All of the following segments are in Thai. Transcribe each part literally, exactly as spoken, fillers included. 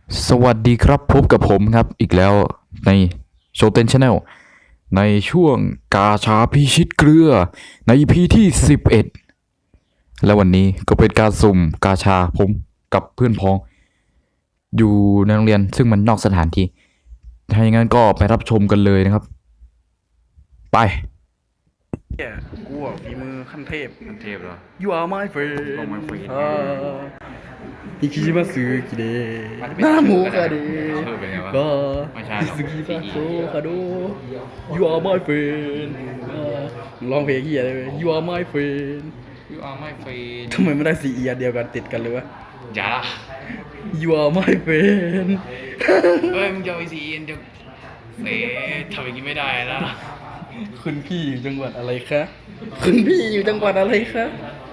สวัสดีครับพบกับผมครับอีกแล้วในโชเต็นชาแนลในช่วงกาชาพิชิตเกลือใน อี พี ที่สิบเอ็ดและวันนี้ก็เป็นการสุ่มกาชาผมกับเพื่อนพ้อง อยู่ในโรงเรียนซึ่งมันนอกสถานที่ถ้าอย่างนั้นก็ไปรับชมกันเลยนะครับ ไปแกกูอ่ะฝีมือขั้นเทพมันเทพเหรอ You are my friend You are my friend อ่าอิคิชิมาสึกิเดหน้าหมูคาเดชื่อเป็นไงวะก็ไม่ใช่หรอกสึกิมาโซคาโด You are my friend อ่าร้องเพลงเฮียเลย You are my friend You are my friend ทำไมไม่ได้สี่เอียเดียวกันติดกันเลยวะอย่าละ You are my friend เฮ้ยมึงจะเอาไอซีเอ็นจะเอ๊ะทำอย่างนี้ไม่ได้นะคุณพี่อยู่จังหวัดอะไรคะคุณพี่อยู่จังหวัดอะไรคะ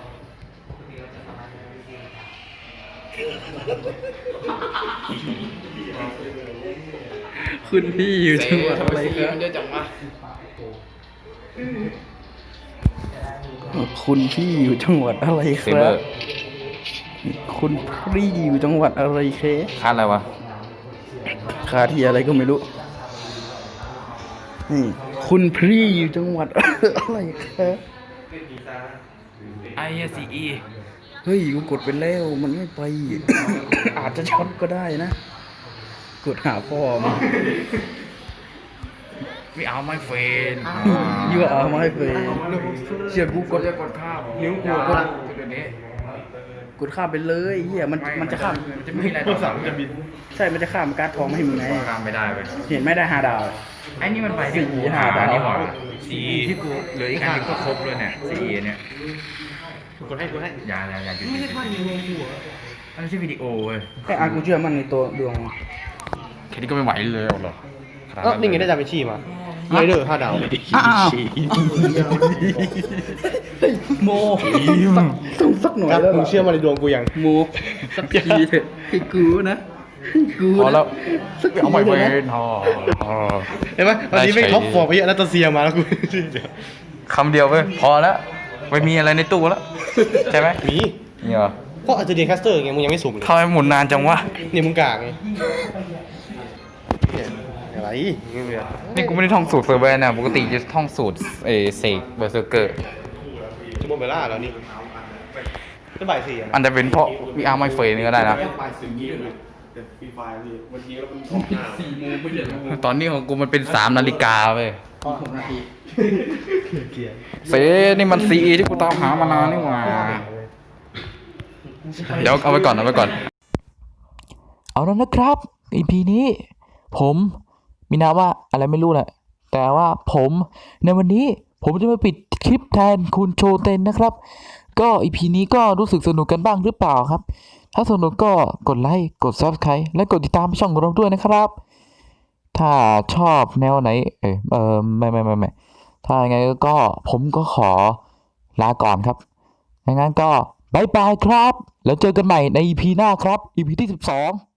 คุณพี่อยู่จังหวัดอะไรคะมันจะจังวะคุณพี่อยู่จังหวัดอะไรครับคุณพี่อยู่จังหวัดอะไรเคคาดอะไรวะคาที่อะไรก็ไม่รู้นี่คุณพี่อยู่จังหวัดอะไรครับไอซีอีเฮ้ยกูกดไปแล้วมันไม่ไป อาจจะช็อตก็ได้นะ กดหาพ่อมาไม่เอาไม่เฟนยูอาร์ไม่เฟยเชื่อกูกดจะกดข้ามนิ้วกูกดเดี๋ยวนี้กดข้ามไปเลยเฮียมันมันจะข้ามมันจะไม่มีอะไรต่อสั่งจะบินใช่มันจะข้ามการ์ดทองไม่ให้มึงไงข้ามไม่ได้ไปเห็นไหมได้ห้าดาวไอ้นี่มันไปที่กูหาดาวนี่หว่าสีที่กูเหลืออีกอันนึงก็ครบเลยเนี่ยสีเนี่ยกดให้กดให้อย่าอย่าอย่าไม่ใช่ภาพวิดีโอกูเหรออันนี้ใช่วิดีโอเว้ยไอ้อากูเชื่อมันในตัวดวงแค่นี้ก็ไม่ไหวเลยหรอเออนี่ไงได้ดาวินชีมาไรเดอร์ห้าดาวอ้าวโมต้องสักหน่อยครับแล้วมึงเชื่อมาในดวงกูยังโมสักทีเถอะให้กูนะให้กูพอแล้วสักทีเอาไม่เลเฟยนะนพอเห็นไหมวันนี้ไม่ท็อปฟอร์มไปเยอะนาตาเซียมาแล้วกูคำเดียวเว้ยพอแล้วไม่มีอะไรในตู้แล้วใช่ไหมมีนี่เหรอเพราะอาจจะเดียนแคสเตอร์ไงมึงยังไม่สุ่มเลยทำไมหมุนนานจังวะนี่มึงกากไงเนี่ยอะไรนี่กูไม่ได้ท่องสูตรเซอร์เวอร์นะปกติจะท่องสูตรเอเซกเบอร์เซอร์เกอร์ชั่วโมงเบลล่าแล้วนี่ก็บ่ายสี่อะอันจะเป็นเพราะวีอาร์ไม่เฟยนี่ก็ได้นะ ตอนนี้ของกูมันเป็นสามนาฬิกาเว้ยหกนาทีเซนี่มันซีที่กูตามหามานานนี่หว่าเดี๋ยวเอาไว้ก่อนเอาไว้ก่อน เอาแล้วนะครับ อี พี นี้ ผมมีนามว่าอะไรไม่รู้แหละ แต่ว่าผมในวันนี้ผมจะมาปิดคลิปแทนคุณโชเตนนะครับ ก็ อี พี นี้ก็รู้สึกสนุกกันบ้างหรือเปล่าครับ ถ้าสนุกก็กดไลค์กด ซับสไครบ์ และกดติดตามช่องของเราด้วยนะครับ ถ้าชอบแนวไหน เออเออไม่ไม่ไม่ไม่ถ้าอย่างไงก็ผมก็ขอลาก่อนครับงั้นก็บายบายครับ แล้วเจอกันใหม่ใน อี พี หน้าครับ อี พี ที่สิบสอง